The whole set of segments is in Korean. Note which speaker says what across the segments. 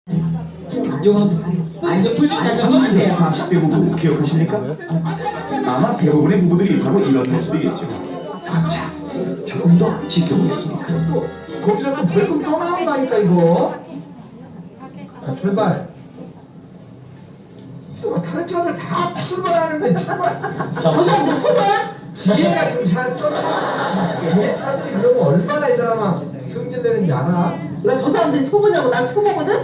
Speaker 1: 요거 이제 불좀 잠깐 꺼주세요.
Speaker 2: 40대 부부 기억하십니까? 아마 대부분의 부부들이 바로 이런 모습이겠죠. 자, 조금 더 지켜보겠습니다.
Speaker 3: 또 거기서 또 벌금 또 나온다니까 이거. 출발. 다른 차들 다 출발하는데 출발.
Speaker 1: 저 사람들 초보야?
Speaker 3: 뒤에가 지금 뒤에 차들이 그러면 얼마나 이 사람아 승진되는지 알아?
Speaker 1: 그러니까 저 사람들이 초보냐고 난 초보거든?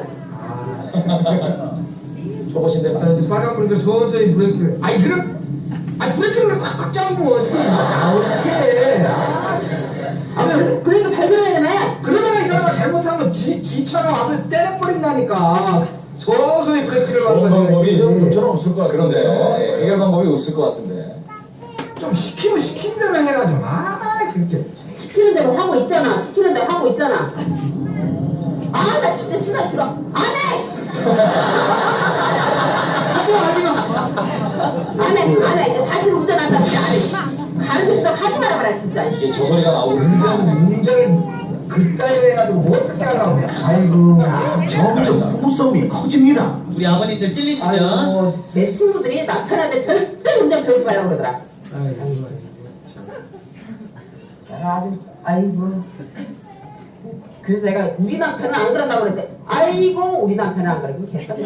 Speaker 3: 초보신데 빨간불 서서히 브레이크를. 아니 그럼 브레이크를 꽉꽉 잡으면 어떻게
Speaker 1: 그러니까 발견해야 되네.
Speaker 3: 그러다가 이 사람아 잘못하면 뒤차가 와서 때려버린다니까. 서서히 브레이크를
Speaker 4: 좋은 방법이
Speaker 3: 밟아야
Speaker 4: 저는 없을 것 같은데요. 예, 해결 방법이 없을 것 같은데.
Speaker 3: 좀 시키면 시킨 대로 해라 좀. 그렇게
Speaker 1: 시키는 대로 하고 있잖아. 시키는 대로 하고 있잖아. 아, 나 진짜 치마 들어. 안 해! 씨! 하지마. 안 해. 이제 다시 운전한다. 진짜 안 해. 가르쳐 좀 하지 말아봐라, 진짜.
Speaker 4: 이게 저 소리가 나오고
Speaker 3: 운전을 그따위로 해가지고 뭐 어떻게 하려고 그래. 아이고.
Speaker 2: 점점 부부싸움이 커집니다.
Speaker 5: 우리 아버님들 찔리시죠?
Speaker 1: 아이고, 내 친구들이 남편한테 절대 운전 배우지 말라고 그러더라. 아이고. 그래서 내가 우리 남편은 안 그런다고 그랬는데, 아이고, 우리 남편은 안 그러고 개떡나.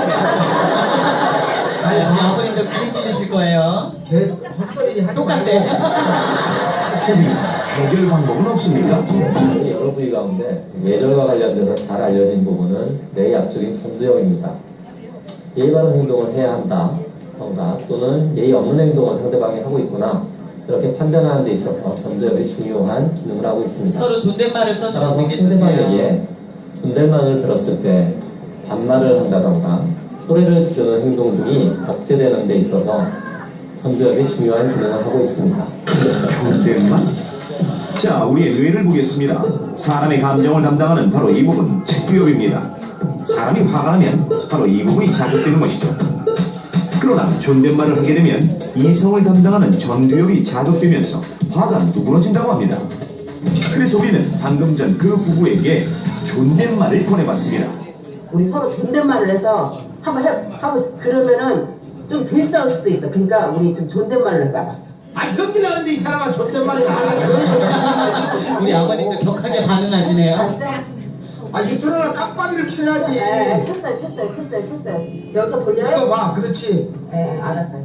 Speaker 5: 우리 아버님들 많이 찔리실 거예요.
Speaker 3: 걔 헛소리 하지
Speaker 5: 똑같대.
Speaker 2: 선생님, 해결 방법은 없습니까?
Speaker 6: 여러 부위 가운데 예절과 관련돼서 잘 알려진 부분은 뇌의 앞쪽인 천두엽입니다. 예의 바른 행동을 해야 한다 던가 또는 예의 없는 행동을 상대방이 하고 있구나 이렇게 판단하는 데 있어서 천두엽이 중요한 기능을 하고 있습니다.
Speaker 5: 서로 존댓말을
Speaker 6: 따라서
Speaker 5: 써주시는 게
Speaker 6: 상대방에게
Speaker 5: 좋대요.
Speaker 6: 존댓말을 들었을 때 반말을 한다던가 소리를 지르는 행동 등이 억제되는 데 있어서 천두엽이 중요한 기능을 하고 있습니다.
Speaker 2: 존댓말? 자, 우리의 뇌를 보겠습니다. 사람의 감정을 담당하는 바로 이 부분, 측두엽입니다. 사람이 화가 나면 바로 이 부분이 자극되는 것이죠. 그러나 존댓말을 하게 되면 이성을 담당하는 전두엽이 자극되면서 화가 누그러진다고 합니다. 그래서 우리는 방금 전 그 부부에게 존댓말을 보내봤습니다.
Speaker 1: 우리 서로 존댓말을 해서 한번 그러면은 좀 덜 싸울 수도 있어. 그러니까 우리 좀 존댓말을 해봐.
Speaker 3: 성질나는데 이 사람아 존댓말이 나가네.
Speaker 5: 우리 아버님들 격하게 반응하시네요.
Speaker 3: 유튜브나 깜빡이를 켜야지.
Speaker 1: 네, 켰어요. 여기서
Speaker 3: 이거
Speaker 1: 돌려요?
Speaker 3: 봐, 그렇지.
Speaker 1: 네, 알았어요.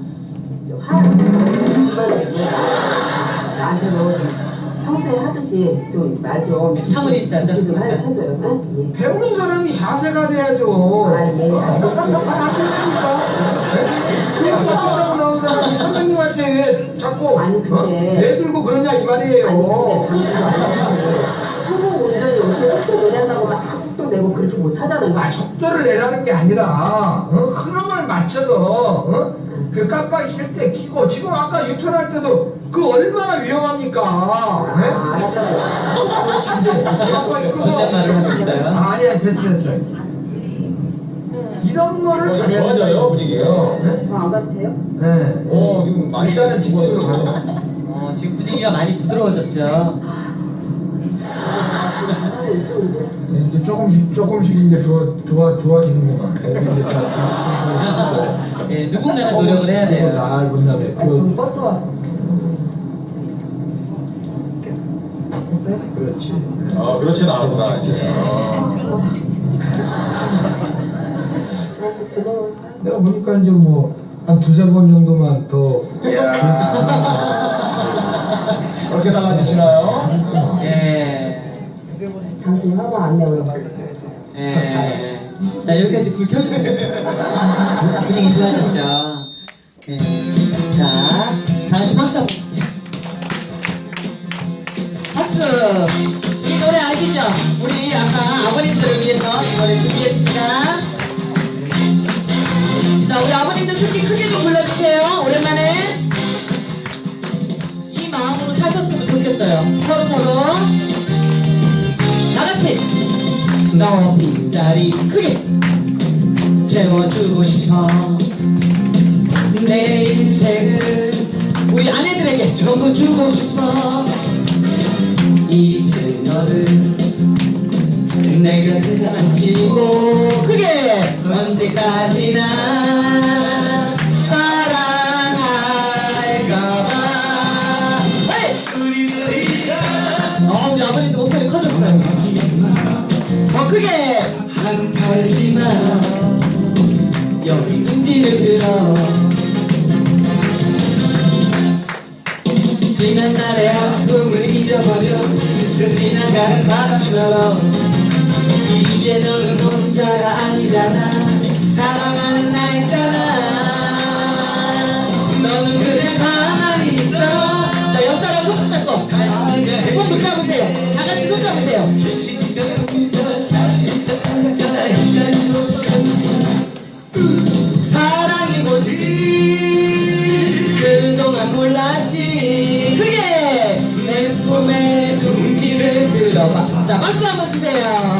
Speaker 1: 그만해. 나한테도 평소에 하듯이 좀 말 좀
Speaker 5: 참을 입자죠.
Speaker 1: 좀 해줘요. 네?
Speaker 3: 배우는 사람이 자세가 돼야죠.
Speaker 1: 예.
Speaker 3: 하고 있으니까. 그냥 깜빡이라고 나온 사람이 선생님한테 왜 자꾸
Speaker 1: 아니, 근데-
Speaker 3: 애 들고 그러냐 이 말이에요.
Speaker 1: 아니 근데 당신도 알았지. 초보 운전이 어떻게 속도 내란다고 막 속도 내고 그렇게 못하잖아요.
Speaker 3: 속도를 내라는 게 아니라 흐름을 맞춰서 그 깜빡이 킬 때 켜고 지금 아까 유턴할 때도 그 얼마나 위험합니까? 네?
Speaker 1: 알았어요.
Speaker 3: 깜빡이 끄고
Speaker 5: 존댓말을 하고 있어요.
Speaker 3: 아니야 됐어. 이런 거를
Speaker 4: 좋아져요 분위기가.
Speaker 1: 안 가도 돼요?
Speaker 3: 네.
Speaker 4: 지금 많이
Speaker 3: 일단은 직진으로 가자.
Speaker 5: 지금 분위기가 많이 부드러워졌죠.
Speaker 3: 이제 조금씩 이제 좋아지는구만.
Speaker 5: 예, 누군가는 노력을 해야 돼요.
Speaker 3: 잘 본다네.
Speaker 1: 저기 버스 와서. 됐어요?
Speaker 3: 그렇지.
Speaker 4: 그렇진 않구나 이제.
Speaker 3: 내가 보니까 이제 뭐 한 두세 번 정도만 더.
Speaker 4: 그렇게 달라지시나요?
Speaker 5: 예.
Speaker 1: 당신이 화가 안 내요.
Speaker 5: 예. 자, 여기까지 불 켜주세요. 분위기 좋아졌죠. 예. 자, 다 같이 박수 한번 칠게요. 박수! 이 노래 아시죠? 우리 아까 아버님들을 위해서 이 노래 준비했습니다. 자, 우리 아버님들 특히 크게 좀 불러주세요. 오랜만에. 이 마음으로 사셨으면 좋겠어요. 서로. 다 같이. 너 빈자리 크게 채워주고 싶어. 내 인생을 우리 아내들에게 전부 주고 싶어. 이제 너를 내 곁에 앉히고 언제까지나 사랑할까봐. 우리 우리 아버님도 목소리 커졌어요. 더 크게. 한 팔지마 여기 둥지를 들어. 지난 날의 아픔을 잊어버려 스쳐 지나가는 바람처럼 이제 너는 혼자가 아니잖아. 사랑하는 나 있잖아. 너는 그냥 가만히 있어. 자, 옆 사람 손 붙잡고 손 붙잡으세요. 다 같이 손 잡으세요. 사랑이 뭐지 그동안 몰랐지. 크게 내 품에 둥지를 들어봐. 자, 박수 한번 주세요.